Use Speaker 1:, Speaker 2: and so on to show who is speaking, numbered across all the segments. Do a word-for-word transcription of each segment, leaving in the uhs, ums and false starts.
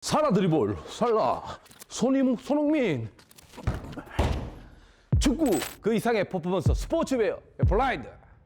Speaker 1: 살아 드리볼 살라 손임 손흥민 축구 그 이상의 퍼포먼스 스포츠웨어 블라인드.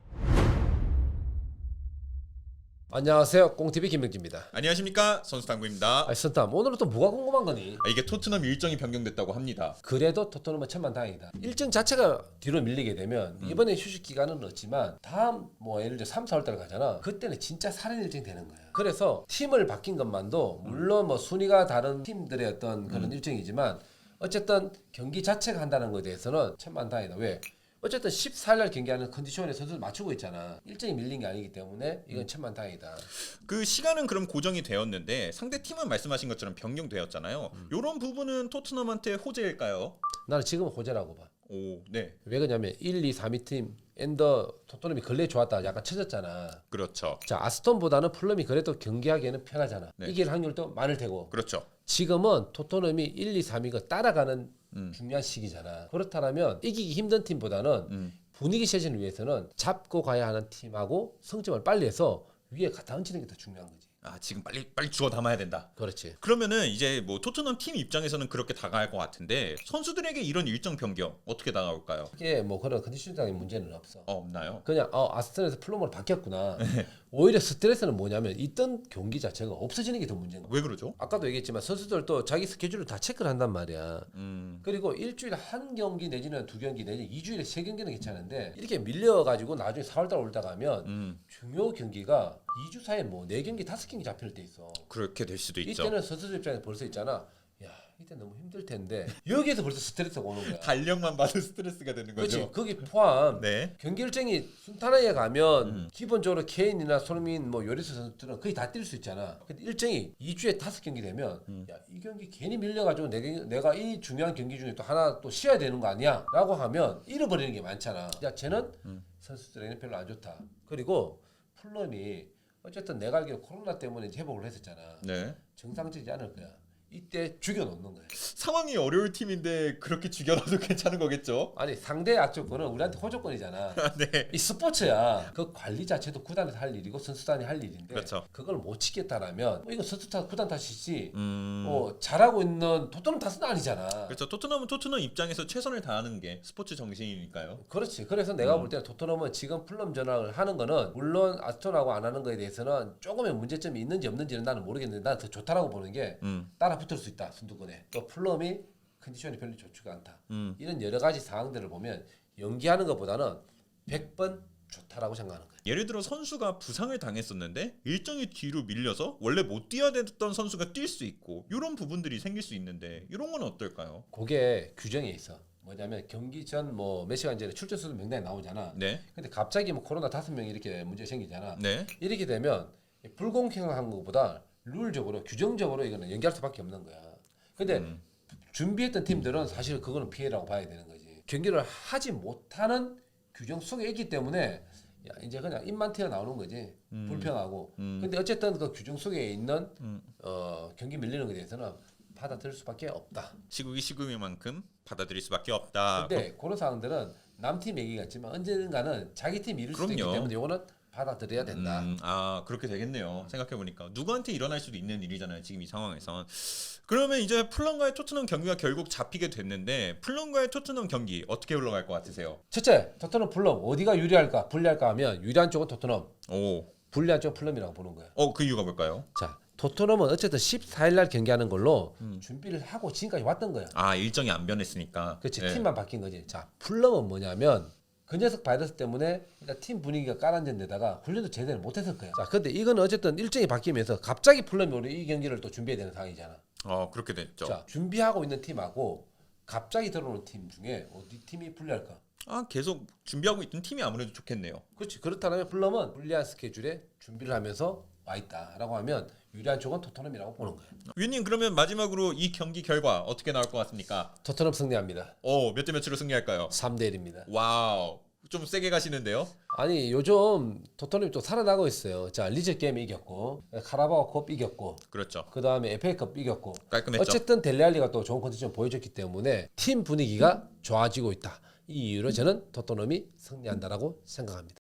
Speaker 2: 안녕하세요, 꽁티비 김명기입니다.
Speaker 3: 안녕하십니까, 선수당구입니다.
Speaker 2: 아, 선탐 오늘은 또 뭐가 궁금한 거니?
Speaker 3: 아, 이게 토트넘 일정이 변경됐다고 합니다.
Speaker 2: 그래도 토트넘은 천만다행이다. 일정 자체가 뒤로 밀리게 되면
Speaker 3: 음.
Speaker 2: 이번에 휴식 기간은 없지만 다음 뭐 예를 들어 삼, 사월 달 가잖아. 그때는 진짜 살인 일정이 되는 거야. 그래서 팀을 바뀐 것만도 물론 뭐 순위가 다른 팀들의 어떤 그런
Speaker 3: 음.
Speaker 2: 일정이지만 어쨌든 경기 자체가 한다는 것에 대해서는 천만다행이다. 왜? 어쨌든 십사 일 날 경기하는 컨디션에 선수를 맞추고 있잖아. 일정이 밀린 게 아니기 때문에 이건 천만다행이다.
Speaker 3: 그 시간은 그럼 고정이 되었는데 상대 팀은 말씀하신 것처럼 변경되었잖아요. 이런 부분은 토트넘한테 호재일까요?
Speaker 2: 나는 지금은 호재라고 봐.
Speaker 3: 오, 네,
Speaker 2: 왜 그러냐면 일, 이, 삼 위 팀 엔더 토트넘이 근래 좋았다 약간 쳐졌잖아.
Speaker 3: 그렇죠,
Speaker 2: 자, 아스톤보다는 풀럼이 그래도 경기하기에는 편하잖아.
Speaker 3: 네.
Speaker 2: 이길 확률도 많을 테고.
Speaker 3: 그렇죠.
Speaker 2: 지금은 토트넘이 일, 이, 삼 위가 따라가는
Speaker 3: 음.
Speaker 2: 중요한 시기잖아. 그렇다면 이기기 힘든 팀보다는
Speaker 3: 음.
Speaker 2: 분위기 쇄신을 위해서는 잡고 가야 하는 팀하고 성점을 빨리 해서 위에 갖다 얹히는 게 더 중요한 거지.
Speaker 3: 아, 지금 빨리 빨리 주워 담아야 된다.
Speaker 2: 그렇지.
Speaker 3: 그러면은 이제 뭐 토트넘 팀 입장에서는 그렇게 다가갈 것 같은데 선수들에게 이런 일정 변경 어떻게 다가올까요?
Speaker 2: 이게 뭐 그런 컨디션적인 문제는 없어.
Speaker 3: 어, 없나요?
Speaker 2: 그냥 어, 아스톤에서 플럼으로 바뀌었구나. 오히려 스트레스는 뭐냐면 있던 경기 자체가 없어지는 게 더 문제인 거야.
Speaker 3: 왜 그러죠?
Speaker 2: 아까도 얘기했지만 선수들도 자기 스케줄을 다 체크를 한단 말이야.
Speaker 3: 음,
Speaker 2: 그리고 일주일에 한 경기 내지는 두 경기 내지 이 주일에 세 경기는 괜찮은데 이렇게 밀려가지고 나중에 사월달 올다 가면
Speaker 3: 음,
Speaker 2: 중요 경기가 이 주 사이에 뭐 네 경기 다섯 경기 잡힐 때 있어.
Speaker 3: 그렇게 될 수도 있죠.
Speaker 2: 이때는 선수들 입장에서 벌써 있잖아. 야, 이때 너무 힘들 텐데 여기에서 벌써 스트레스가 오는 거야.
Speaker 3: 달력만 봐도 스트레스가 되는
Speaker 2: 그렇지.
Speaker 3: 거죠.
Speaker 2: 거기 포함
Speaker 3: 네.
Speaker 2: 경기 일정이 순탄하게 가면
Speaker 3: 음.
Speaker 2: 기본적으로 케인이나 손흥민, 뭐 요리스 선수들은 거의 다 뛸 수 있잖아. 근데 일정이 이 주에 다섯 경기 되면
Speaker 3: 음.
Speaker 2: 야, 이 경기 괜히 밀려가지고 내, 경- 내가 이 중요한 경기 중에 또 하나 또 쉬어야 되는 거 아니야? 라고 하면 잃어버리는 게 많잖아. 야, 쟤는
Speaker 3: 음.
Speaker 2: 선수들에게는 별로 안 좋다. 그리고 풀럼이 어쨌든 내가 알기로 코로나 때문에 회복을 했었잖아.
Speaker 3: 네.
Speaker 2: 정상적이지 않을 거야. 이때 죽여놓는 거야.
Speaker 3: 상황이 어려울 팀인데 그렇게 죽여놔도 괜찮은 거겠죠?
Speaker 2: 아니 상대 악조건은 우리한테 호조건이잖아.
Speaker 3: 네.
Speaker 2: 이 스포츠야. 그 관리 자체도 구단에서 할 일이고 선수단이 할 일인데
Speaker 3: 그렇죠.
Speaker 2: 그걸 못 지켰다라면 뭐 이거 선수 탓, 구단 탓이지.
Speaker 3: 음.
Speaker 2: 뭐 잘하고 있는 토트넘 탓은 아니잖아.
Speaker 3: 그렇죠. 토트넘은 토트넘 입장에서 최선을 다하는 게 스포츠 정신이니까요.
Speaker 2: 그렇지. 그래서 내가
Speaker 3: 음.
Speaker 2: 볼 때는 토트넘은 지금 플럼 전환을 하는 거는 물론 아스톤하고 안 하는 거에 대해서는 조금의 문제점이 있는지 없는지는 나는 모르겠는데 나는 더 좋다라고 보는 게
Speaker 3: 음.
Speaker 2: 따라 붙을 수 있다. 순두권에. 또 플럼이 컨디션이 별로 좋지가 않다.
Speaker 3: 음.
Speaker 2: 이런 여러 가지 상황들을 보면 연기하는 것보다는 백 번 좋다라고 생각하는 거야.
Speaker 3: 예를 들어 선수가 부상을 당했었는데 일정이 뒤로 밀려서 원래 못 뛰어야 됐던 선수가 뛸 수 있고 이런 부분들이 생길 수 있는데 이런 건 어떨까요?
Speaker 2: 그게 규정에 있어. 뭐냐면 경기 전 뭐 몇 시간 전에 출전 선수 명단이 나오잖아.
Speaker 3: 네.
Speaker 2: 근데 갑자기 뭐 코로나 다섯 명 이렇게 문제 생기잖아.
Speaker 3: 네.
Speaker 2: 이렇게 되면 불공평한 것보다 룰적으로 규정적으로 이거는 연기할 수밖에 없는 거야. 근데
Speaker 3: 음.
Speaker 2: 준비했던 팀들은 사실 그거는 피해라고 봐야 되는 거지. 경기를 하지 못하는 규정 속에 있기 때문에 야, 이제 그냥 입만 튀어 나오는 거지.
Speaker 3: 음.
Speaker 2: 불평하고.
Speaker 3: 음.
Speaker 2: 근데 어쨌든 그 규정 속에 있는
Speaker 3: 음.
Speaker 2: 어, 경기 밀리는 것에 대해서는 받아들일 수밖에 없다.
Speaker 3: 시국이 시국인 만큼 받아들일 수밖에 없다.
Speaker 2: 근데 그런 상황들은 남팀 얘기 같지만 언젠가는 자기 팀 이룰 수도 있기
Speaker 3: 그럼요.
Speaker 2: 때문에 이거는 받아들여야 된다.
Speaker 3: 음, 아 그렇게 되겠네요. 생각해 보니까 누구한테 일어날 수도 있는 일이잖아요. 지금 이 상황에선. 그러면 이제 풀럼과의 토트넘 경기가 결국 잡히게 됐는데 풀럼과의 토트넘 경기 어떻게 흘러갈 것 같으세요?
Speaker 2: 첫째, 토트넘 플럼 어디가 유리할까 불리할까 하면 유리한 쪽은 토트넘,
Speaker 3: 오,
Speaker 2: 불리한 쪽은 플럼이라고 보는 거야.
Speaker 3: 어 그 이유가 뭘까요?
Speaker 2: 자, 토트넘은 어쨌든 십사 일 날 경기하는 걸로
Speaker 3: 음.
Speaker 2: 준비를 하고 지금까지 왔던 거야.
Speaker 3: 아 일정이 안 변했으니까.
Speaker 2: 그렇지.
Speaker 3: 네.
Speaker 2: 팀만 바뀐 거지. 자, 플럼은 뭐냐면 그 녀석 바이러스 때문에 일단 팀 분위기가 깔아앉은 데다가 훈련도 제대로 못했을 거야. 자, 근데 이거는 어쨌든 일정이 바뀌면서 갑자기 플럼이 우리 이 경기를 또 준비해야 되는 상황이잖아.
Speaker 3: 어 그렇게 됐죠.
Speaker 2: 자, 준비하고 있는 팀하고 갑자기 들어오는 팀 중에 어디 팀이 불리할까?
Speaker 3: 아 계속 준비하고 있던 팀이 아무래도 좋겠네요.
Speaker 2: 그렇지. 그렇다면 플럼은 불리한 스케줄에 준비를 하면서 와 있다라고 하면 유리한 쪽은 토트넘이라고 보는 거예요.
Speaker 3: 위님 그러면 마지막으로 이 경기 결과 어떻게 나올 것 같습니까?
Speaker 2: 토트넘 승리합니다.
Speaker 3: 어몇 대 몇으로 승리할까요?
Speaker 2: 삼 대 일입니다.
Speaker 3: 와우 좀 세게 가시는데요.
Speaker 2: 아니 요즘 토트넘이 또 살아나고 있어요. 자, 리즈 게임 이겼고 카라바오컵 이겼고
Speaker 3: 그렇죠.
Speaker 2: 그 다음에 에프에이컵 이겼고
Speaker 3: 깔끔했죠.
Speaker 2: 어쨌든 델레알리가 또 좋은 컨디션 보여줬기 때문에 팀 분위기가 좋아지고 있다. 이 이유로 저는 토트넘이 승리한다라고 생각합니다.